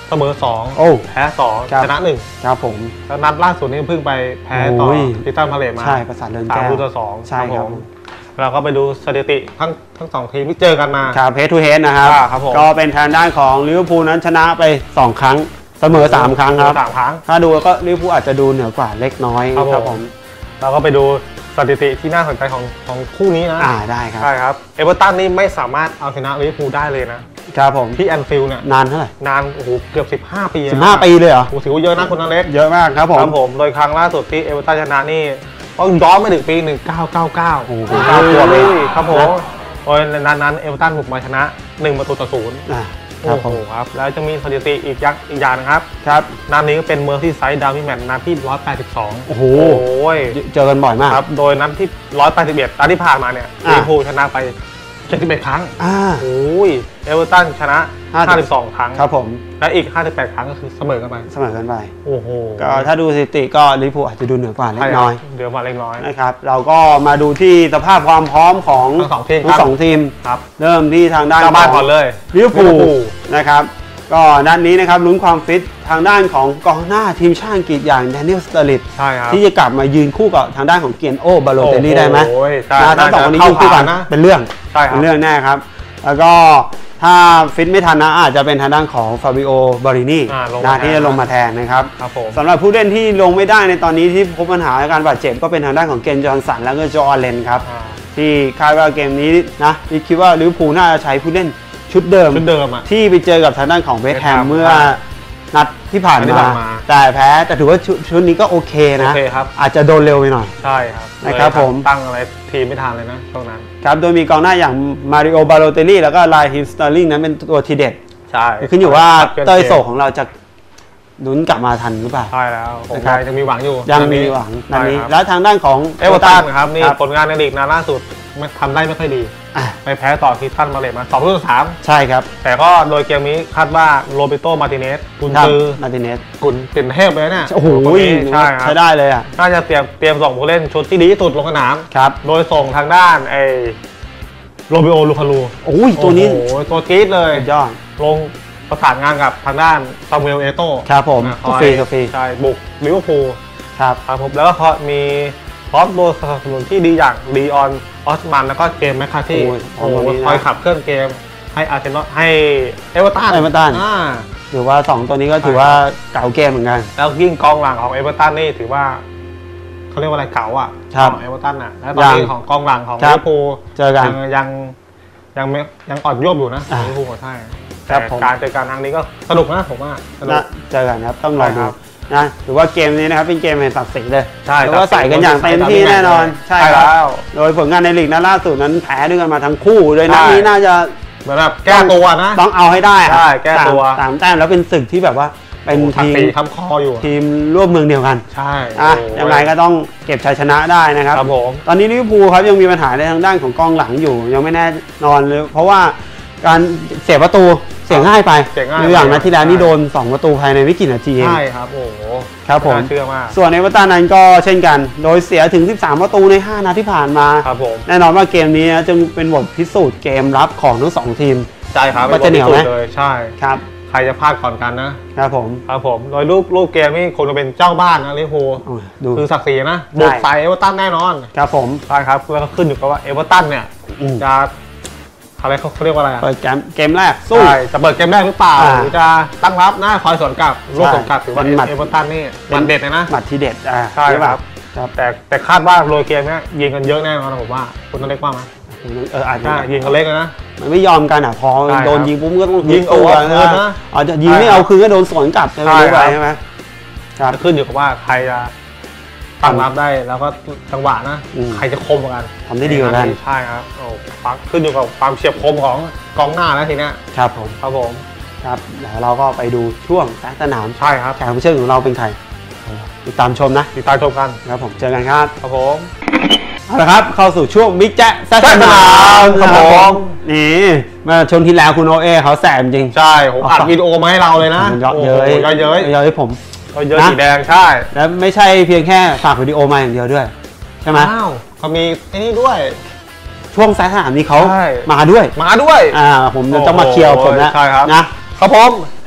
Speaker 1: เสมอสอง
Speaker 2: โอ้
Speaker 1: แพ้สอง
Speaker 2: ครับ
Speaker 1: ชนะหนึ่ง
Speaker 2: ครับผม
Speaker 1: แล้วนัดล่าสุดนี้เพิ่งไปแพ้ต่อ
Speaker 2: โอ้ย
Speaker 1: ทิตันพาเลตมา
Speaker 2: ใช่ประสาทเดิน
Speaker 1: สาม
Speaker 2: แก้ว
Speaker 1: ลูกต่อสอง
Speaker 2: ใช่ครับ
Speaker 1: ผมเราก็ไปดูสถิติทั้งทั้งสองทีมที่เจอกันมา
Speaker 2: ครับเฮดทูเฮดนะครับ
Speaker 1: อ่าครับผม
Speaker 2: ก็เป็นทางด้านของลิเวอร์พูลนั้นชนะไปสองครั้งเสมอสามครั้งครับ
Speaker 1: สามครั้ง
Speaker 2: ถ้าดูก็ลิเวอร์พูลอาจจะดูเหนือกว่าเล็กน้อย
Speaker 1: ครับ
Speaker 2: ครับ
Speaker 1: ผ
Speaker 2: ผม ม
Speaker 1: เราก็ไปดูสถิติที่น่าสนใจของของคู่นี้นะ
Speaker 2: อ่าได้ครับ
Speaker 1: ใช่ครับเอเวอร์ตันนี่ไม่สามารถเอาชนะลิเวอร์พูลได้เลยนะครับ
Speaker 2: ผม
Speaker 1: ที่แอนฟิลด์เนี่ย
Speaker 2: นานเท่าไหร่
Speaker 1: นานโอ้โหเกือบสิบห้าปี
Speaker 2: สิบห้าปีเลยเหรอ
Speaker 1: โอ้โหถือว่าเยอะนะคุณอเล็ก
Speaker 2: เยอะมากครับผม
Speaker 1: ครับผมโดยครั้งล่าสุดที่เอเวอร์ตันชนะนี่ต้องย้อนไปถึงปีหนึ่งเก้าเก้าเก้า
Speaker 2: โอ้โห
Speaker 1: เก้าตัวเลยครับผม
Speaker 2: นะ
Speaker 1: โดยในนั้นนั้นเอเวอร์ตันบุกมาชนะหนึ่งประตูต่อศูนย์
Speaker 2: อ่าครั
Speaker 1: โอ้
Speaker 2: บ
Speaker 1: โห
Speaker 2: ผม
Speaker 1: ครับแล้วจะมีสถิติอีกยักษ์อีกอย่างนะครับ
Speaker 2: ครับ
Speaker 1: นัดนี้ก็เป็นเมอร์ซี่ไซด์ดาร์บี้แมตช์นัดที่หนึ่งร้อยแปดสิบสอง
Speaker 2: โอ้โห
Speaker 1: โอ้ย
Speaker 2: เจอกันบ่อยมาก
Speaker 1: ครับโดยนัดที่หนึ่งร้อยแปดสิบเอ็ดนัดที่ผ่านมาเนี่ย
Speaker 2: อ่า
Speaker 1: ลิเวอร์พูลชนะไปเจ็ดสิบเอ็ดครั้ง
Speaker 2: อ่า
Speaker 1: โอ้ยเอเวอร์ตันชนะ
Speaker 2: ห้าสิบ
Speaker 1: ห้าสิบสองครั้ง
Speaker 2: ครับผม
Speaker 1: และอีกห้าสิบแปดครั้งก็คือเสมอกันไป
Speaker 2: เสมอกันไป
Speaker 1: โอ้โห
Speaker 2: ก็ถ้าดูสถิติก็ลิเวอร์พูลอาจจะดูเหนือกว่าเล็
Speaker 1: ใช่
Speaker 2: ก
Speaker 1: ครับ
Speaker 2: น้อย
Speaker 1: เดี๋ยวมาเล็กน้อย
Speaker 2: นะครับเราก็มาดูที่สภาพความพร้อมของ
Speaker 1: ทั้งสองทีม
Speaker 2: ทั้งสองทีม
Speaker 1: ครับ
Speaker 2: เริ่มที่ทางด้าน
Speaker 1: เจ้าบ้านก่อนเลย
Speaker 2: ลิเวอร์พู
Speaker 1: ลิ
Speaker 2: ล
Speaker 1: เวอร์พูล
Speaker 2: นะครับก็ด้านนี้นะครับลุ้นความฟิตทางด้านของกองหน้าทีมชาติอังกฤษอย่างแดเนียลสเตอร์ลิต
Speaker 1: ใช่ครับ
Speaker 2: ที่จะกลับมายืนคู่กับทางด้านของเกียนโอบาโลเตลลี่ได้ไหม
Speaker 1: โอ้ยใช่
Speaker 2: นะทั้งสองคนนี้ยืนคู่กัน
Speaker 1: นะ
Speaker 2: เป็นเรื่อง
Speaker 1: ใช่ครับ
Speaker 2: เป็นเรื่องแน่ครับ แล้วก็ถ้าฟิตไม่ทันนะอาจจะเป็นทางด้านของฟาบิโอบารินี
Speaker 1: อ่าลงมา
Speaker 2: นะที่
Speaker 1: แทน
Speaker 2: จะลงมาแทนนะครับ
Speaker 1: ครับผม
Speaker 2: สำหรับผู้เล่นที่ลงไม่ได้ในตอนนี้ที่พบปัญหาการบาดเจ็บก็เป็นทางด้านของเกนจอห์นสันแล้วก็โจอาเลนครับ
Speaker 1: อ่า
Speaker 2: ที่คาดว่าเกมนี้นะที่คิดว่าลิเวอร์พูลน่าจะใช้ผู้เล่นชุดเดิม
Speaker 1: ชุดเดิมอ่ะ
Speaker 2: ที่ไปเจอกับทางด้านของเวสต์แฮม
Speaker 1: เวสต์แฮม
Speaker 2: เมื่อนัดที่ผ่าน
Speaker 1: ที่
Speaker 2: มา
Speaker 1: ผ่านมา
Speaker 2: แต่แพ้แต่ถือว่าชุดชุดนี้ก็โอเคนะ
Speaker 1: โอเคครับ
Speaker 2: อาจจะโดนเร็วไปหน่อย
Speaker 1: ใช่ครับ
Speaker 2: นะครับ
Speaker 1: เลย
Speaker 2: ผม
Speaker 1: ตั้งอะไรทีมไม่ทันเลยนะช่วงนั้น
Speaker 2: ครับโดยมีกองหน้าอย่างมาริโอบาโลเตลลี่แล้วก็ไลฮิมสเตอร์ลิงนั้นเป็นตัวทีเด็ด
Speaker 1: ใช่
Speaker 2: ขึ้นอยู่ว่า
Speaker 1: ค
Speaker 2: เต้ยโศ
Speaker 1: ก
Speaker 2: กของเราจะลุ้นกลับมาทันหรือเปล่า
Speaker 1: ใช่แล้วผม
Speaker 2: นะครับ
Speaker 1: ยังมีหวังอยู่
Speaker 2: ยังมีหวังนัดนี้
Speaker 1: ใช่ครับ
Speaker 2: แล้วทางด้านของ
Speaker 1: เอเวอร์ตันครับนี่
Speaker 2: ครับ
Speaker 1: ผลงานในลีกนัดล่าสุดไม่ทำได้ไม่ค่อยดี
Speaker 2: อ่ะ
Speaker 1: ไปแพ้ต่อทิตันมาเลตมาสองลูกต่อสาม
Speaker 2: ใช่ครับ
Speaker 1: แต่ก็โดยเกมนี้คาดว่าโรเบโตมาร์ติเนสกุน
Speaker 2: ครับ
Speaker 1: ซือ
Speaker 2: มาร์ติเนส
Speaker 1: กุนเป็นเทพเลยเนี่ย
Speaker 2: โอ้โห
Speaker 1: คนนี้ใช่ครับ
Speaker 2: ใช้ได้เลยอ่ะ
Speaker 1: น่าจะเตรียมเตรียมส่งผู้เล่นชุดที่ดีที่สุดลงสนาม
Speaker 2: ครับ
Speaker 1: โดยส่งทางด้านไอ้โรบิโอลูคารู
Speaker 2: โอ้ยตัวนี้
Speaker 1: โอ้โหตัวจี๊ดเลย
Speaker 2: สุดยอด
Speaker 1: ลงประสานงานกับทางด้านซามูเอลเอโต้
Speaker 2: ครับผม
Speaker 1: นะ
Speaker 2: กาแฟกาแฟ
Speaker 1: ใช่บุกลิเวอร์พูล
Speaker 2: ครับ
Speaker 1: ครับผมแล้วก็มีพร้อมตัวสนับสนุนที่ดีอย่างลีออนออสมันแล้วก็เกมแมคคาที่
Speaker 2: โอ้ย
Speaker 1: โอ้โห
Speaker 2: ตรงนี้นะ
Speaker 1: คอยขับเคลื่อนเกมให้อาร์เซนอลให้เอเวอร์ตัน
Speaker 2: เอเวอร์ตัน
Speaker 1: อ่า
Speaker 2: ถือว่าสองตัวนี้ก็ถือว่าเก่าเกมเหมือนกัน
Speaker 1: แล้วยิ่งกองหลังของเอเวอร์ตันนี่ถือว่าเขาเรียกว่าอะไรเก่าอ่ะ
Speaker 2: ครับ
Speaker 1: ของเอเวอร์ตันอ่ะแล้วตอนนี้
Speaker 2: ยัง
Speaker 1: ของกองหลังของ
Speaker 2: ครั
Speaker 1: ลิ
Speaker 2: บ
Speaker 1: เวอร์พูล
Speaker 2: เจอกัน
Speaker 1: ยังยังยังไม่ยังอ่อนโยบอยู่นะ
Speaker 2: อ่า
Speaker 1: ลิเวอร์พูลใช่
Speaker 2: ครั
Speaker 1: แต่
Speaker 2: บผม
Speaker 1: การเจอกันครั้งนี้ก็สนุกนะผมว่าสนุ
Speaker 2: นะ
Speaker 1: ก
Speaker 2: เจอกันครับต้องรอดู
Speaker 1: ใช่ครับ
Speaker 2: นะถือว่าเกมนี้นะครับเป็นเกมแห่งศักดิ์ศรีเลย
Speaker 1: ใช่
Speaker 2: แล้วก็ใส่กันอย่างเต็มที่แน่นอน
Speaker 1: ใช่
Speaker 2: ค
Speaker 1: แล้
Speaker 2: รับ
Speaker 1: ว
Speaker 2: โดยผลงานในลีกนัดล่าสุดนั้นแพ้ด้วยกันมาทั้งคู่โดยนัดนี้
Speaker 1: ใช่
Speaker 2: น่าจะ
Speaker 1: เหมือนแบบแก้ตัวนะ
Speaker 2: ต้องเอาให้ได้ครับ
Speaker 1: ใช่แก้ตัว
Speaker 2: สามสามแต้มแล้วเป็นศึกที่แบบว่าเป็น
Speaker 1: ทัก
Speaker 2: ทีม
Speaker 1: ตีทำคออยู่
Speaker 2: ทีมร่วมเมืองเดียวกัน
Speaker 1: ใช่
Speaker 2: อ่ะ
Speaker 1: โอ้
Speaker 2: ยังไงก็ต้องเก็บชัยชนะได้นะครับ
Speaker 1: ครับผม
Speaker 2: ตอนนี้ลิเวอร์พูลครับยังมีปัญหาในทางด้านของกองหลังอยู่ยังไม่แน่นอนเลยเพราะว่าการเสียประตูเสียง่ายไป
Speaker 1: เสียง่าย
Speaker 2: ดูอย่างนัดที่แล้วนี่
Speaker 1: ใช่
Speaker 2: โดนสองประตูภายในไม่กี่นาทีเอง
Speaker 1: ใช่ครับ โอ้โห
Speaker 2: ครับผม
Speaker 1: น่าเชื่อมาก
Speaker 2: ส่วนเอเวอร์ตันนั้นก็เช่นกัน โดยเสียถึงสิบสามประตูในห้านัดที่ผ่านมา
Speaker 1: ครับผม
Speaker 2: แน่นอนว่าเกมนี้นะจึงเป็นบทพิสูจน์เกมรับของทั้งสองทีม
Speaker 1: ใช่ครับ
Speaker 2: ว่าจะเหนียวไหม
Speaker 1: ป็บทพิสูจเลยใช่
Speaker 2: ครับ
Speaker 1: ใครจะพลาดก่อนกันนะ
Speaker 2: ครับผม
Speaker 1: ครับผม โดยรูปรูปเกมนี่คงจะเป็นเจ้าบ้านนะลิเวอร์พูล
Speaker 2: โอ้ยดู
Speaker 1: คือศักดิ์ศรีนะ บุกใส่เอเวอร์ตันแน่นอน
Speaker 2: ครับผม
Speaker 1: ใช่ครับแล้วก็ขึ้นอยู่กับว่าเอเวอร์ตันเนี่ย
Speaker 2: อืม
Speaker 1: จะอะไรเขาเขาเรียกว่าอะไรอะ
Speaker 2: เปิดเกมเกมแรกสู้
Speaker 1: ใช่จะเปิดเกมแรกหรือเปล่า
Speaker 2: อ่า
Speaker 1: หรือจะตั้งรับหน้าคอยสวนกลับลูกสวนกลับถือว่า
Speaker 2: เป็นหมัด
Speaker 1: เอเวอร์ตันนี่มันเด็ดเลยนะ
Speaker 2: หมัดทีเด็ดอ่า
Speaker 1: ใช่ครับ
Speaker 2: ครับ
Speaker 1: แต่แต่คาดว่าโรยเกมเนี้ยยิงกันเยอะแน่นอนนะผมว่าคุณต้องเล็กว่าไหม
Speaker 2: เอออาจจะ
Speaker 1: ใช่ยิงกันเล็กเลยนะ
Speaker 2: มันไม่ยอมกันอ่ะพอ
Speaker 1: ใช่ครับ
Speaker 2: โดนยิงปุ๊บก็ต้อง
Speaker 1: ยิง
Speaker 2: ตัว
Speaker 1: เอาคืนนะ
Speaker 2: อาจจะยิงไม่
Speaker 1: ใช่ครับ
Speaker 2: เอาคืนก็โดนสวนกลับใช่ไหม
Speaker 1: ใช่
Speaker 2: รู้ไป
Speaker 1: ครับ
Speaker 2: ใช่ไหมครับ
Speaker 1: จะขึ้นอยู่กับว่าใครจะตั้งรับได้แล้วก็จังหวะนะ
Speaker 2: อืม
Speaker 1: ใครจะคมกว่ากัน
Speaker 2: ทำได้ดีกว่ากัน
Speaker 1: ใช่ครับโอ้ฟักขึ้นอยู่กับความเฉียบคมของกองหน้าแล้วทีเนี้ย
Speaker 2: ครับผม
Speaker 1: ครับผม
Speaker 2: ครับเดี๋ยวเราก็ไปดูช่วงแซกสนาม
Speaker 1: ใช่ครับ
Speaker 2: แขกรับเชิญของเราเป็นใครติดตามชมนะ
Speaker 1: ติดตามชมกัน
Speaker 2: ครับผมเจอกันครับ
Speaker 1: ครับผม
Speaker 2: เอาละครับเข้าสู่ช่วงบิ๊กแจ๊ะแซกส
Speaker 1: แซกส
Speaker 2: นาน
Speaker 1: าม
Speaker 2: ม
Speaker 1: ครับผม
Speaker 2: นี่เมื่อชมที่แล้วคุณโอเอเขาแสบจริง
Speaker 1: ใช่ผมอัดวิดีโอมาให้เราเลยนะ
Speaker 2: เยอะเย้ย
Speaker 1: โอ้โหเยอะเย้ย
Speaker 2: เยอะให้ผม
Speaker 1: เยอะ
Speaker 2: นะ
Speaker 1: สีแดงใช่
Speaker 2: แล้วไม่ใช่เพียงแค่ฝากวิดีโอมาอย่างเดียวด้วยใช่ไหม
Speaker 1: อ้าวเขามีไอ้นี่ด้วย
Speaker 2: ช่วงแซกสนามนี้เขา
Speaker 1: ใช่
Speaker 2: มาด้วย
Speaker 1: มาด้วย
Speaker 2: อ่าผมจะต้องมาเคลียร์ผมแล้ว
Speaker 1: ใช่ครับ
Speaker 2: นะ
Speaker 1: ครับผม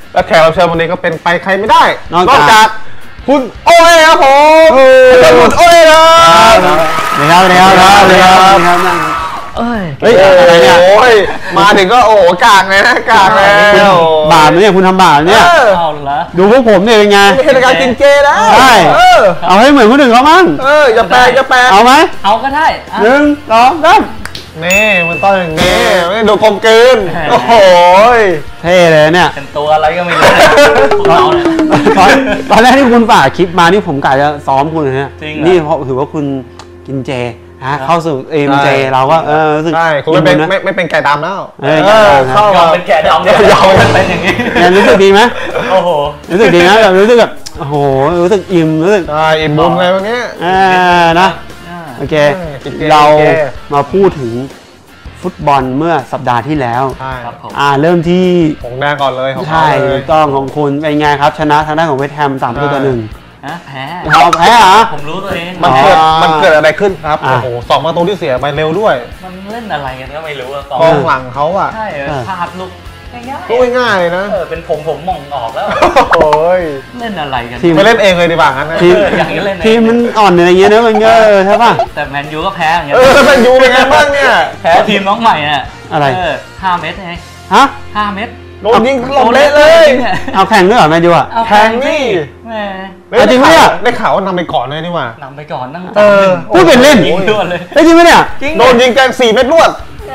Speaker 1: และแขกรับเชิญวันนี้ก็เป็นไปใครไม่ได้
Speaker 2: นอกจาก
Speaker 1: คุณโอ้ยครับผมคุณโอ้ยครับ
Speaker 2: นะครับนะครับนะครับนะครับนะครับ
Speaker 4: เอ้ย
Speaker 2: เฮ้ยอะไรเนี่ย
Speaker 1: โอ้ยมาถึงก็โอ้กากเลยนะกากแล้ว
Speaker 2: บาปเนี่ยคุณทำบาปเนี่ย
Speaker 4: เอาเหรอ
Speaker 2: ดูพวกผมเนี่ยเป็นไง
Speaker 1: ไม่ใช่การกินเจนะ
Speaker 2: ใช่
Speaker 1: เออ
Speaker 2: เอาให้เหมือนคนอื่นเขามั่ง
Speaker 1: เออจะแปลจะแปล
Speaker 2: เอาไหม
Speaker 4: เอาก็ได้อ่ะ
Speaker 2: หนึ่งสองสาม
Speaker 1: นี่มันต้องอย่างนี้ไม่ดูกลมกลืนโอ้โห
Speaker 2: เท่เลยเนี่ย
Speaker 4: เป็นตัวอะไรก็ไม่รู้พวกเราเนี่ย
Speaker 2: ตอนตอนแรกที่คุณฝากคลิปมานี่ผมกะจะซ้อมคุณเลยเนี่ย
Speaker 4: จริงเหรอ
Speaker 2: นี่เพราะถือว่าคุณกินเจนะเข้าสู่เอ็มเจเราก็เออรู้สึก
Speaker 1: ใช่คุณไม่เป็น
Speaker 2: นะ
Speaker 1: ไม่ไม่เป็นไก่ดำแล้ว
Speaker 2: เออไก่ดำนะ
Speaker 1: เข้าย
Speaker 4: อ
Speaker 1: มาม
Speaker 4: เป็นแกะดำเนี่ย
Speaker 1: ยอม
Speaker 4: เป็นอย่างนี้
Speaker 2: เนี่ยรู้สึกดีไหม
Speaker 4: โอ้โห
Speaker 2: รู้สึกดีนะแบบรู้สึกแบบโอ้โหรู้สึกอิ่มรู้สึก
Speaker 1: ใช่อิ่มบุญอะไรพวกนี้
Speaker 2: อ่านะ
Speaker 4: อ่า
Speaker 2: โอเค
Speaker 1: เออกินเจ
Speaker 2: เรา
Speaker 1: กินเจ
Speaker 2: มาพูดถึงฟุตบอลเมื่อสัปดาห์ที่แล้ว
Speaker 1: ใช่
Speaker 4: ครับผม
Speaker 2: อ่าเริ่มที่
Speaker 1: ของแดงก่อนเลยของเขา
Speaker 2: ใช่
Speaker 1: เล
Speaker 2: ถู
Speaker 1: ย
Speaker 2: กต้องของคุณเป็นไงครับ ชนะทางด้านของเวสต์แฮมสามประตูต่อหนึ่ง
Speaker 4: ฮะแพ้
Speaker 2: เอาแพ้เหรอ
Speaker 4: ผมรู้ตัวเอง
Speaker 1: มันเกิด
Speaker 2: อ๋อ
Speaker 1: มันเกิดอะไรขึ้นครับ
Speaker 2: อ่ะ
Speaker 1: โอ้โหสองประตูที่เสียไปเร็วด้วย
Speaker 4: มันเล่นอะไรกันก็ไม่รู้อะก
Speaker 1: กองหลังเขาอ่ะ
Speaker 4: ใช่เออ
Speaker 2: เออ
Speaker 4: พลาดลูกง่ายๆ
Speaker 1: ลูกง่ายๆเลยนะ
Speaker 4: เออเป็นผมผมมองออกแล้ว
Speaker 1: โอ้ย
Speaker 4: เล่นอะไรกัน
Speaker 2: ทีม
Speaker 1: ไปเล่นเองเลยดีกว่างั้นนะ
Speaker 2: ทีม
Speaker 4: เอออย่างนี้เล่นเอง
Speaker 2: ทีมมันอ่อนอะไรอย่างเงี้ยนะมันก็เออใช่ป่ะ
Speaker 4: แต่แมนยูก็แพ้อย่างเงี้ย
Speaker 1: เออแล้วมันยูเป็นไงบ้างเนี่ย
Speaker 4: แพ้ทีมน้องใหม่น่ะ
Speaker 2: อะไร
Speaker 4: เออห้าเม็ดไง
Speaker 2: ฮะ
Speaker 4: ห้าเม็ด
Speaker 1: โดนยิงหลบเละเลย
Speaker 4: นี่
Speaker 2: เอาแข่งด้วยเหรอแมนยูอ่ะ
Speaker 4: เอา
Speaker 1: แทงนี่
Speaker 4: แหม
Speaker 2: เอาจริงปะเนี่ย
Speaker 1: ได้ข่าวว่านำไปก่อนเลยนี่หว่า
Speaker 4: นำไปก่อนตั้ง
Speaker 1: เออ
Speaker 2: พูดเป็นเล่น
Speaker 4: ยิงด่วนเลย
Speaker 2: เอ้ยจริงปะเนี่ย
Speaker 4: จริง
Speaker 1: โดนยิงแกงสี่เม็ดรวด
Speaker 4: แหม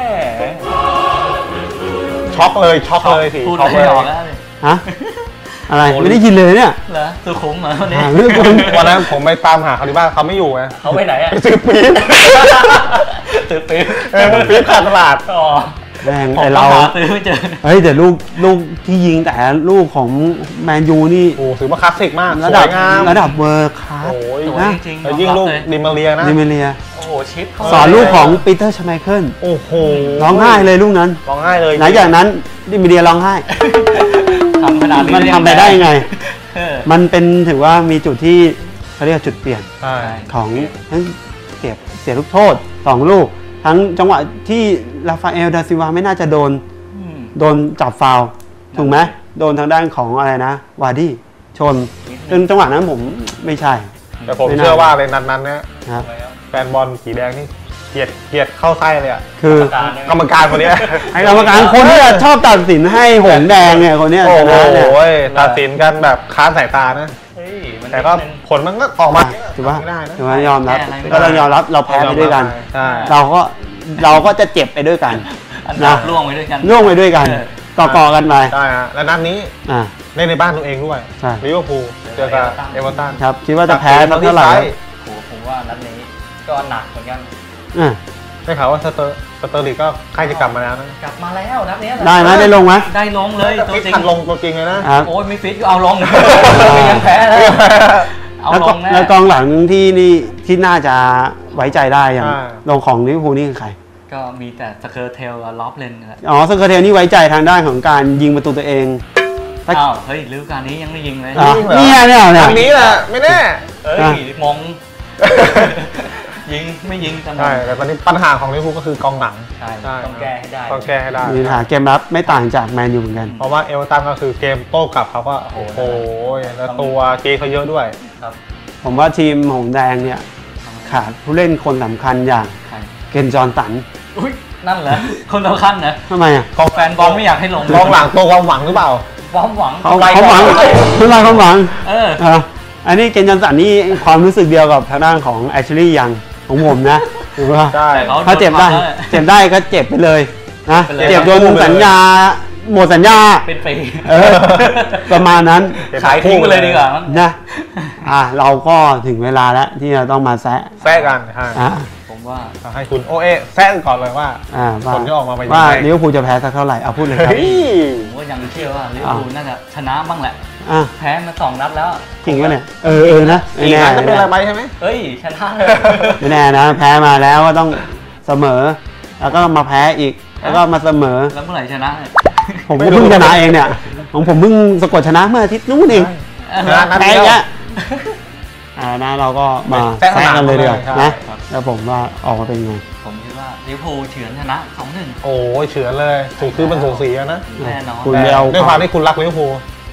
Speaker 1: ช็อกเลยช็อกเลยสิ
Speaker 4: พูด
Speaker 1: ช็อก
Speaker 4: ไม่
Speaker 1: เลย
Speaker 4: ออกแล้วเลย
Speaker 2: ฮะอะไรไม่ได้ยินเลยเนี่ย
Speaker 4: เหรอสุขุมเหรอวันนี้
Speaker 2: อ่าเรื่องคุณ
Speaker 1: วันนั้นผมไปตามหาเขาที่บ้านเขาไม่อยู่ไง
Speaker 4: เขาไปไหนอะ
Speaker 1: ไปซื้อปี๊บ
Speaker 4: ซื้อปี๊บ
Speaker 1: เออปี๊บขาดตลาด
Speaker 4: อ๋อ
Speaker 2: แม่ง
Speaker 4: ผม
Speaker 2: ไอ
Speaker 4: ก็
Speaker 2: เรา
Speaker 4: หาซื้อไม่เจอ
Speaker 2: เฮ้ยแต่ลูกลูกที่ยิงแต่ลูกของแมนยูนี่
Speaker 1: โอ้ถือว่าคลาสสิกมาก
Speaker 2: ระ
Speaker 1: ส
Speaker 2: ดั
Speaker 1: ว
Speaker 2: บ
Speaker 1: ยงาม
Speaker 2: ระดับเวอร์คลาส
Speaker 1: โอ้ย
Speaker 4: สวย
Speaker 2: นะ
Speaker 4: จริงๆ
Speaker 1: แล้วยิ่งลูก
Speaker 4: เลย
Speaker 1: ดิมาเรียนะ
Speaker 2: ดิเมเลีย
Speaker 4: โอ้โหชิปเข้า
Speaker 2: สอนลูกของปีเตอร์ชไมเคิล
Speaker 1: โอ้โห
Speaker 2: ร้องไห้เลยลูกนั้น
Speaker 1: ร้องไห้เลย
Speaker 2: หลังจากนั้นดิเมเลียร้องไห้
Speaker 4: ทำขนาดนี้
Speaker 2: มันทำไปได้ยังไง
Speaker 4: เออ
Speaker 2: มันเป็นถือว่ามีจุดที่เขาเรียกว่าจุดเปลี่ยน
Speaker 1: ใช่
Speaker 2: ของทั้งเสียเสียลูกโทษสองลูก ทั้งจังหวะที่ราฟาเอลดาซิลวาไม่น่าจะโดน
Speaker 4: อืม
Speaker 2: โดนจับฟาวล์ถูกไหมโดนทางด้านของอะไรนะ วาร์ดี้ชนซึ่งจังหวะนั้นผมไม่ใช่
Speaker 1: แต่ผม
Speaker 2: ไม่น่า
Speaker 1: เชื่อว่าในนัดนั้นเนี่ย
Speaker 2: นะครับ
Speaker 1: แฟนบอลสีแดงนี่เกลียดเกลียดเข้าไส้เลยอ่ะ
Speaker 2: คือ
Speaker 4: การเนี่ย
Speaker 1: กรรมการคนเนี้ย
Speaker 2: ไอ้กรรมการคนที่ชอบตัดสินให้หงส์แดงเนี่ยคนเนี้ย
Speaker 1: โอ้
Speaker 2: ช
Speaker 1: โห
Speaker 2: นะเนี่ย
Speaker 1: ตัดสินกันแบบค้านสายตานะ
Speaker 4: เฮ้ยมัน
Speaker 1: แต่ก็
Speaker 4: นิดนึง
Speaker 1: ผลมันก็ออกมา
Speaker 2: ถือว่า
Speaker 1: ไม่ได้นะ
Speaker 2: ถือว่ายอมรับ
Speaker 4: แก้อะไรไม่ได้
Speaker 2: ก็ต้องยอมรับเราแพ้ไปด้วยกัน
Speaker 1: ใช่
Speaker 2: เราก็เราก็จะเจ็บไปด้วยกัน
Speaker 4: อันดับล่วงไปด้วยกัน
Speaker 2: ร่วงไปด้วยกัน
Speaker 4: เออ
Speaker 2: ต่อๆกันไป
Speaker 1: ใช่ฮะและนัดนี้
Speaker 2: อ่า
Speaker 1: เล่นในบ้านตัวเองด้วย
Speaker 2: ใช่
Speaker 1: ลิเวอร์พูลเจอกับเอเวอร์ตัน
Speaker 2: ครับคิดว่าจะแพ้สักเท่าไหร่
Speaker 1: จาก
Speaker 2: ครับ
Speaker 1: ทีม
Speaker 4: โอ้โหผมว่านัดนี้ก็หนักเหมือนกัน
Speaker 2: อ่ะ
Speaker 1: ได้ข่าวว่าสเตอร์สเตอร์ลิกก็ใกล้จะกลับมาแล้วนะ
Speaker 4: กลับมาแล้วนัดนี้แหละ
Speaker 2: ได้ไหมได้ลงไหม
Speaker 4: ได้ลงเลยตัว
Speaker 1: ฟิต
Speaker 4: จริง
Speaker 1: ทันลงตัวจริงเลยนะครับ
Speaker 4: โอ้ยไม่ฟิตก็เอาลงยังแพ้แล้วเอา
Speaker 2: แล้ว
Speaker 4: ล
Speaker 2: ก็
Speaker 4: งแน่
Speaker 2: แล้วกองหลังที่นี่ที่น่าจะไว้ใจได้อย่าง
Speaker 1: อ่า
Speaker 2: ลงของลิเวอร์พูลนี่คือใคร
Speaker 4: ก็มีแต่สเคอร์เทลกับล็อบเลนนี่แหละ
Speaker 2: อ๋อสเกอร์เทลนี่ไว้ใจทางด้านของการยิงประตูตัวเอง ถ้า
Speaker 4: อ้าวเฮ้ยฤดูกาลนี้ยังไม่ยิงเลย
Speaker 2: อ่ะเนี่ยเนี่ยเนี่ย
Speaker 1: ทางนี้แหละไม่แน่
Speaker 4: เอ้ย
Speaker 2: อ่ะ
Speaker 4: มองยิงไม่ยิงจัง
Speaker 1: ใช่แต่ตอนนี้ปัญหาของลิเวอร์พูลก็คือกองหลัง
Speaker 4: ใช่
Speaker 1: ใช่
Speaker 4: ต้องแก้ให้ได้
Speaker 1: ต้องแก้ให้ได้
Speaker 2: มีปัญหาเกมรับไม่ต่างจากแมนยูเหมือนกัน
Speaker 1: เพราะว่าเอเวอร์ตันก็คือเกมโต้กลับเขาก็โอ้โหแล้วตัวเกย์เขาเยอะด้วย
Speaker 4: ครับ
Speaker 2: ผมว่าทีมหงส์แดงเนี่ยขาดผู้เล่นคนสำคัญอย่าง
Speaker 4: ใคร
Speaker 2: เกนจอห์นสัน
Speaker 4: อุ้ยนั่นเหรอคนสำคัญนะ
Speaker 2: ทำไมอ่ะ
Speaker 1: กอง
Speaker 4: แฟนบอลไม่อยากให้ลง
Speaker 1: กองหลังตัวความหวังหรือเปล่า
Speaker 4: ความหวัง
Speaker 2: เขา
Speaker 4: ไกล
Speaker 2: เขาหวัง
Speaker 4: ก่อน
Speaker 2: เขาหวังเขาหวัง
Speaker 4: เออ
Speaker 2: อ่ะอันนี้เกนจอห์นสันนี่ความรู้สึกเดียวกับทางด้านของแอชลีย์ยังของผมนะถูกป่ะ
Speaker 1: ใช่
Speaker 4: แต่เขา
Speaker 2: ถ้าเจ็บได้เจ็บได้ก็เจ็บไปเลยนะ
Speaker 4: ไปเลย
Speaker 2: เจ็บโดนสัญญาหมดสัญญา
Speaker 4: เป็นปี
Speaker 2: เออประมาณนั้น
Speaker 4: ขายทิ้งไปเลยดีกว่ามั้ง
Speaker 2: นะอ่ะเราก็ถึงเวลาแล้วที่จะต้องมาแซะ
Speaker 1: แซะกันใช่
Speaker 2: อ่ะ
Speaker 4: ผมว่า
Speaker 1: ให้คุณโอเอแซะกันก่อนเลยว่า
Speaker 2: อ่ะว่า
Speaker 1: ผลที่ออกมาเป็นยังไง
Speaker 2: ว่าลิเวอร์พูลจะแพ้สักเท่าไหร่เอาพูดเลยครับ
Speaker 1: เฮ้ย
Speaker 4: ผมก็ยังเชื่อว่าลิเวอร์พูลน่าจะชนะบ้างแหละ
Speaker 2: อ่ะ
Speaker 4: แพ้มาสองนัดแล้ว
Speaker 2: จริงปะเนี่ยเออเออนะไม่
Speaker 1: อีก
Speaker 2: แน่
Speaker 1: นัดจะเป็นอะไรไปใช่ไหม
Speaker 4: เฮ้ยชนะเลย
Speaker 2: ไม่แน่นะแพ้มาแล้วก็ต้องเสมอ แล้วก็มาแพ้อีกแล้วก็มาเสมอ
Speaker 4: แล้วเมื่อไหร่ชนะเนี่ย
Speaker 2: ผมก็เพิ่งชนะเองเนี่ยของผมเพิ่งสะกดชนะเมื่ออาทิตย์นู้นเอง
Speaker 1: ชนะนัด
Speaker 2: แพ้
Speaker 1: เดียว
Speaker 2: เนี้ยอ่านะเราก็มา
Speaker 1: แซะส
Speaker 2: แซะ
Speaker 1: นาม
Speaker 2: กันเลยดีกว่า
Speaker 1: ใช่
Speaker 2: นะครับ แล้วผมว่าออกมาเป็นไง
Speaker 4: ผมคิดว่าลิเวอร์พูลเฉือนชนะสองหนึ่ง
Speaker 1: โอ้ยเฉือนเลยถูกคือมันสูสีอะนะ
Speaker 4: แน่นอน
Speaker 2: คุณ
Speaker 1: แต่
Speaker 2: ไปเอา
Speaker 1: ด้วยความที่คุณรักลิเวอร์พูล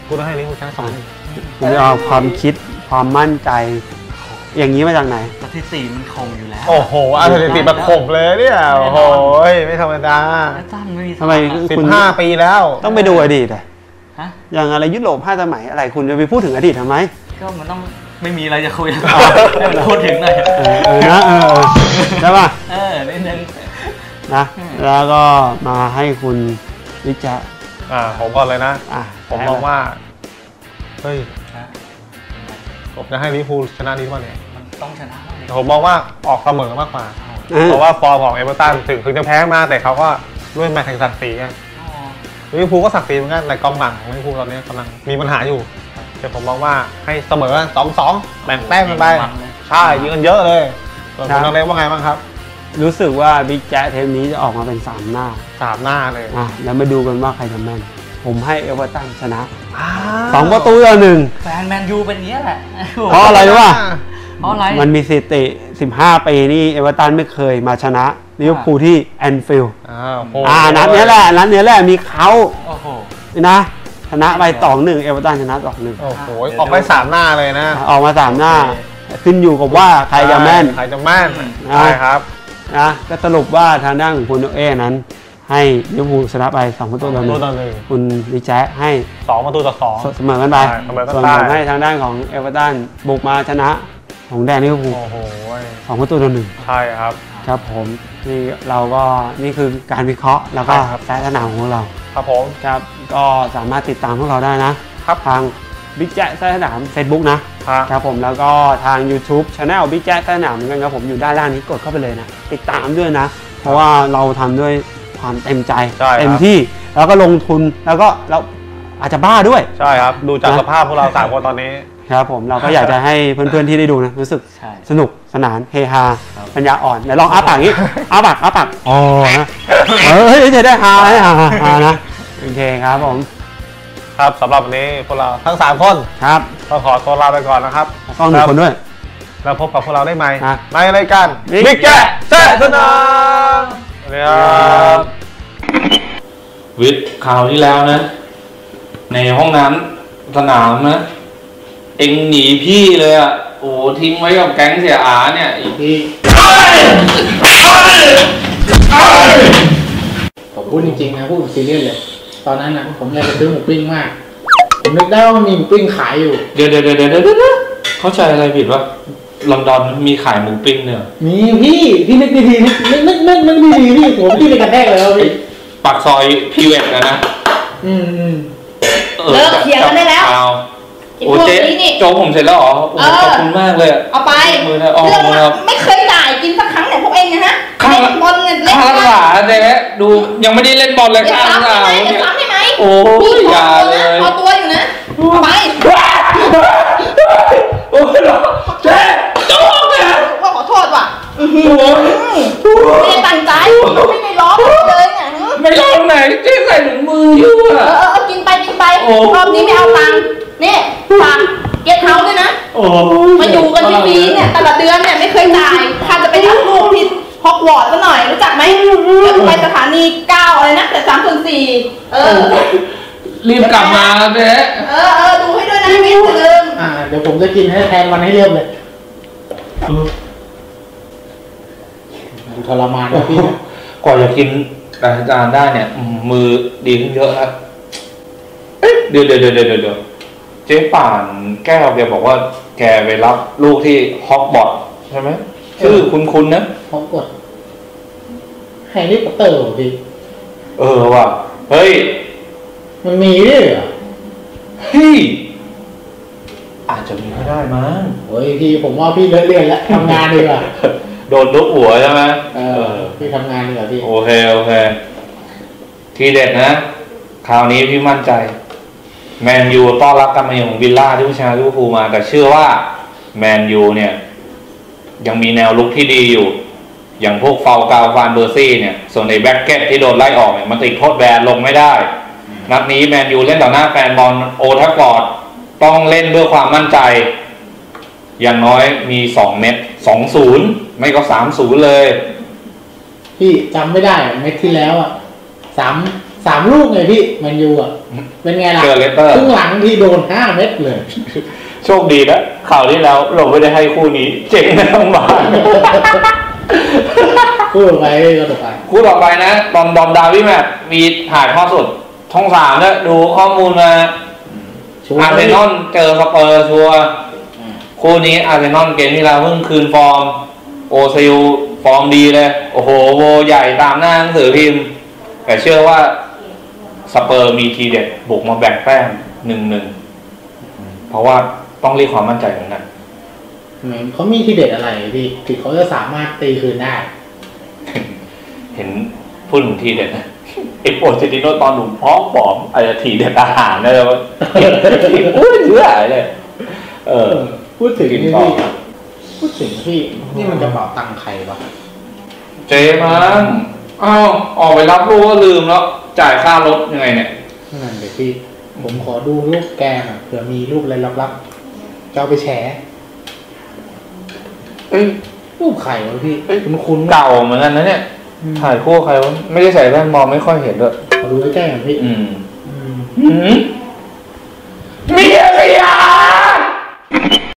Speaker 1: คุณต้องให้ลิเวอร์พูลชนะสองหนึ่ง
Speaker 2: คุณจะเอาความคิดความมั่นใจ อย่างนี้มาจากไหน
Speaker 4: สถิติมันคงอยู่แล้ว
Speaker 1: โอ้โหอาร์เซนอลประกบเลยเนี่ยโอ้โหไม่ธรรมดา
Speaker 4: ตั้นไม่มี
Speaker 2: ทำไม
Speaker 1: สิ
Speaker 2: คุ
Speaker 1: บ
Speaker 2: ณ
Speaker 1: ห้าปีแล้ว
Speaker 2: ต้องไปดูอดีตอะ
Speaker 4: ฮะ
Speaker 2: อย่างอะไรยุโรปห้าสมัยอะไรคุณจะไปพูดถึงอดีตทำไม
Speaker 4: ก็มันต้องไม่มีอะไรจะคุยแล้วให้มันพูดถึงหน่อย
Speaker 2: เออเออนะเออเออใช่ป่ะ
Speaker 4: เออนิดนึง
Speaker 2: นะแล้วก็มาให้คุณวิจารณ์
Speaker 1: อ่าผมก่อนเลยนะ
Speaker 2: อ่ะ
Speaker 1: ผมมองว่าเฮ้ยผมจะให้ลิเวอร์พูลชนะนี้ว่าเนี่ย
Speaker 4: มันต้องชนะบ้างดิ
Speaker 1: ผมมองว่าออกเสมอมากกว่า
Speaker 2: เออ
Speaker 1: เพราะว่าฟอร์มของเอเวอร์ตันถึงถึงจะแพ้มาแต่เขาก็ด้วยแมตช์แห่งศักดิ์ศรีไง
Speaker 4: อ๋อ
Speaker 1: ลิเวอร์พูลก็ศักดิ์ศรีเหมือนกันแต่กองหลังของลิเวอร์พูลตอนนี้กำลังมีปัญหาอยู่แต่ผมมองว่าให้เสมอ สองสอง แบ่งแต้มกันไปใช่ยิงกันเยอะเลยส่วนคุณน้องเล็กว่าไงบ้างครับ
Speaker 2: รู้สึกว่าบิ๊กแจ๊เทปนี้จะออกมาเป็นสามหน้า
Speaker 1: สามหน้าเลย
Speaker 2: อ่ะแล้วมาดูกันว่าใครจะแม่น ผมให้เอเวอร์ตันชนะ
Speaker 1: อ้าว
Speaker 2: สองประตูต่อหนึ่ง
Speaker 4: แฟนแมนยูเป็นอย่างนี้ยแหละ
Speaker 2: เพราะอะไรรู้ป่ะ
Speaker 4: เพราะอะไร
Speaker 2: มันมีสถิติสิบห้าปีนี่เอเวอร์ตันไม่เคยมาชนะลิเวอร์พูลที่แอนฟิลด์
Speaker 1: อ้าวโห
Speaker 2: อ่านัดนี้แหละนัดนี้แหละมีเขา
Speaker 4: โอ้โห
Speaker 2: นะชนะไปสองหนึ่งเอเวอร์ตันชนะสองหนึ่ง
Speaker 1: โอ้โหออกไปสามหน้าเลยนะ
Speaker 2: ออกมาสามหน้า ขึ้นอยู่กับว่าใครจะแม่น
Speaker 1: ใครจะแม่น
Speaker 2: อ่า
Speaker 1: ใช่ครับ
Speaker 2: นะก็สรุปว่าทางด้านของคุณโอเอ้นั้น ให้ลิเวอร์พูลชนะไปสองประตูต่อหนึ่
Speaker 1: ตัว
Speaker 2: ง
Speaker 1: ต่อหนึ่ง
Speaker 2: คุณดิแจ๊ะให้
Speaker 1: สองประตูต่อสอง
Speaker 2: เสมอกันไป
Speaker 1: ใช่เสมอกัน
Speaker 2: ส่วน
Speaker 1: ไป
Speaker 2: ผมให้ทางด้านของเอเวอร์ตันบุกมาชนะของแดนลิเวอร์พูล
Speaker 1: โอ้โห
Speaker 2: สองประตูต่อหนึ่ง
Speaker 1: ใช่ครับ
Speaker 2: ครับผมนี่เราก็นี่คือการวิเคราะห์แล้วก็
Speaker 1: ใช่ครับ
Speaker 2: แต้สนามของเรา
Speaker 1: ครับผม
Speaker 2: ครับก็สามารถติดตามพวกเราได้นะครับ ทางบิ๊กแจ๊แต้สนาม Facebook นะครับ ครับผมแล้วก็ทาง YouTube Channel บิ๊กแจ๊แต้สนามเหมือนกันครับผมอยู่ด้านล่างนี้กดเข้าไปเลยนะติดตามด้วยนะ เพราะว่าเราทำด้วยความเต็มใจ
Speaker 1: ใช่ครับ
Speaker 2: เต็มที่แล้วก็ลงทุนแล้วก็เราอาจจะบ้าด้วย
Speaker 1: ใช่ครับดูจาก
Speaker 2: นะ
Speaker 1: สภาพพวกเราสามคนตอนนี้
Speaker 2: ครับผมเราก็อยากจะให้เพื่อนๆที่ได้ดูนะรู้สึก
Speaker 4: ใช่
Speaker 2: สนุกสนานเฮฮา
Speaker 4: ครับ
Speaker 2: ปัญญาอ่อนเดี๋ยวลองอ้าปากนี้อ้าปากอ้าปากอ๋อนะเออเฮ้ยจะได้ฮาให้ฮาฮานะโอเคครับผม
Speaker 1: ครับสำหรับวันนี้พวกเราทั้งสามคน
Speaker 2: ครับ
Speaker 1: ก็ขอตัวลาไปก่อนนะครับ
Speaker 2: ต้องหนึ่งคนด้วย
Speaker 1: แล้วพบกับพวกเราได้ไหม
Speaker 2: ฮะ
Speaker 1: ในรายการ
Speaker 2: Big
Speaker 1: บิ๊กแจ๊แซ่สนามสวัสดีครับ
Speaker 5: วิทย์ข่าวที่แล้วนะ ในห้องน้ำสนามนะ เอ็งหนีพี่เลยอ่ะ โอ้โหทิ้งไว้กับแก๊งเสียอาเนี่ยอีกที
Speaker 3: ผมพูดจริงๆนะพูดซีเรียสเลย ตอนนั้นนะผมอยากจะซื้อหมูปิ้งมาก ผมนึกได้ว่ามันมีหมูปิ้งขายอยู่
Speaker 5: เดี๋ยวเดี๋ยวเดี๋ยวเดี๋ยวเดี๋ยวเข้าใจอะไรผิดวะลอนดอนมีขายหมูปิ้งเนี่ย
Speaker 3: มีพี่พี่นึกดีๆนึกนึกนึกนึกนึกดีๆพี่ผมพี่ไปกระแทกเลยแล้วพี่
Speaker 5: ปากซอยพีเวทนะนะ
Speaker 3: อืมอืม
Speaker 5: ออ
Speaker 6: เลิกเถียงกันได้แล้ว
Speaker 5: เอา
Speaker 6: กิน
Speaker 5: โอ้
Speaker 6: พวก
Speaker 5: เจ๊
Speaker 6: นี้นี่
Speaker 5: โจ๊กผมเสร็จแล้วเหรอโอ้
Speaker 6: เออ
Speaker 5: ขอบคุณมากเลยอะ
Speaker 6: เอาไป
Speaker 5: มือนะอ๋อ
Speaker 6: เรื่อง
Speaker 5: มือนะ
Speaker 6: ไม่เคยจ่ายกินสักครั้งเนี่ยพวกเองนะฮะ
Speaker 5: ข้าง
Speaker 6: เล่นบอลเงินเล่น
Speaker 5: ข้าง
Speaker 6: บอล
Speaker 5: หลาเจ๊ดูยังไม่ได้เล่นบอลเลย
Speaker 6: อย่า
Speaker 5: ข้าง
Speaker 6: ซ้ำ
Speaker 5: ห
Speaker 6: ได้
Speaker 5: ลา
Speaker 6: ไหมอย่า
Speaker 5: เนี่ย
Speaker 6: ซ้ำได้ไหม
Speaker 5: โอ้ย
Speaker 6: พี่
Speaker 5: อย่า
Speaker 6: พอ
Speaker 5: เล
Speaker 6: ตัวย นะพอตัวอยู่นะเอาไป
Speaker 5: โอ้ยเจ๊โจ๊กเนี่ย
Speaker 6: ว่าขอโทษว่ะอื้อหือไม่ได้ตั้งใจไม่ได้ร้องเลยเนี่ยหือ
Speaker 5: ไม่ลองไหนเจ๊ใส่ถุงมืออยู่
Speaker 6: เอ
Speaker 5: อะ
Speaker 6: อเออเออกินไปกินไป
Speaker 5: โอ้
Speaker 6: รอบนี้ไม่เอาตังค์นี่ฝากเก็ตเฮาส์ด้วยนะ
Speaker 5: โอ้
Speaker 6: มาอยู่กันฟรีๆเนี่ยแต่ละเดือนเนี่ยไม่เคยจ่ายข้าจะไปรับลูกที่ฮอกวอตส์ซะหน่อยรู้จักไหมแล้วไปสถานีเก้าอะไรนะแต่สามส่วนสี่เออ
Speaker 5: รีบกลับมาเจ๊
Speaker 6: เออเออดูให้ด้วยนะไม่อย่าลืม
Speaker 3: อ่าเดี๋ยวผมจะกินให้แทนวันให้เรียบเลยดูทรมานนะพี่นะ
Speaker 5: ก่อนจะกินอาจารย์ได้เนี่ยอืมมือดีขึ้นเยอะแล้วเอ๊ะเดี๋ยวเดี๋ยวเดี๋ยวเดี๋ยวเดี๋ยวเจ๊ป่านแก้วแกบอกว่าแกไปรับลูกที่ฮอกบอตส์ใช่ไหมชื่อคุณคุณนะ
Speaker 3: พร้อมกดแฮร์รี่พอตเตอร์เหรอพี่
Speaker 5: เออว่ะเฮ้ย
Speaker 3: มันมีด้วยเหรอ
Speaker 5: เฮ้ยอาจจะมีก็ได้มั้ง
Speaker 3: โอ้ยพี่ผมว่าพี่เลิกเรียนแล้วทำงานดีกว่า
Speaker 5: โดนลุกหัวใช่ไหม
Speaker 3: เออพี่ทำงานดีกว่าพี่
Speaker 5: โอเคโอเค ทีเด็ดนะ คราวนี้พี่มั่นใจ แมนยูต้อนรับการมาเยือนของวิลล่าที่ผู้ชนะลิเวอร์พูลมา แต่เชื่อว่าแมนยูเนี่ย ยังมีแนวลุกที่ดีอยู่ อย่างพวกฟาวกาวฟานเบอร์ซี่เนี่ย ส่วนไอ้แบ็กเก็ตที่โดนไล่ออกเนี่ยมันติดโทษแบนลงไม่ได้ นัดนี้แมนยูเล่นต่อหน้าแฟนบอลโอทัฟฟอร์ดต้องเล่นด้วยความมั่นใจ อย่างน้อยมีสองเม็ดสองศูนย์ไม่ก็สามศูนย์เลย
Speaker 3: พี่จำไม่ได้อะเม็ดที่แล้วอ่ะสามสามลูกไงพี่แมนยูอ่ะเป็นไงล่ะ
Speaker 5: เจอเลสเตอร์
Speaker 3: ครึ่งหลังที่โดนห้าเม็ดเลย
Speaker 5: โชคดีนะข่าวที่แล้วเราไม่ได้ให้คู่นี้ เจ๋งนะทั้งบ้าน
Speaker 3: พูดไปก็ต่อไป
Speaker 5: คู่ต่อไปนะบอมบอมดาวิแมทมีถ่ายทอดสดช่องสามเนี่ยดูข้อมูลมาอาร์เซนอลเจอสเปอร์ชัวร์คู่นี้อาร์เซนอลเกมที่เราเพิ่งคืนฟอร์มโอซิลฟอร์มดีเลยโอ้โหโวใหญ่ตามหน้าหนังสือพิมพ์แต่เชื่อว่าสเปอร์มีทีเด็ดบุกมาแบ่งแต้มหนึ่งหนึ่งเพราะว่าต้องเรียกความมั่นใจเหมือนกัน
Speaker 3: เขามีทีเด็ดอะไรพี่ที่เขาจะสามารถตีคืนได้
Speaker 5: เห็นพูดถึงทีเด็ดนะไอ้โปรเจติโนตอนหนุ่มพร้อมผอมอาจจะทีเด็ดอาหารนะเลยว่าพูดเชื่อเลยเออ
Speaker 3: พูดถึง
Speaker 5: กิน
Speaker 3: นี่
Speaker 5: ต่อ
Speaker 3: พี่พูดถึงพี่นี่มันกระเป๋าตังค์ใครวะ
Speaker 5: เจมันอ้าวออกไปรับลูกก็ลืมแล้วจ่ายค่ารถยังไงเนี่ย
Speaker 3: นั่นเลยพี่ผมขอดูรูปแกหน่อยเผื่อมีรูปอะไรลับๆจะเอาไปแชร์
Speaker 5: เอ้ย
Speaker 3: รูปใครวะพี่คุณคุณ
Speaker 5: เก่าเหมือนกันนะเนี่ยถ่ายคู่ใครวะไม่ได้ใส่แว่นมองไม่ค่อยเห็นด้วย
Speaker 3: ขอดูใกล้ๆหน่อยพี่
Speaker 5: อืม
Speaker 3: อืม
Speaker 5: อืม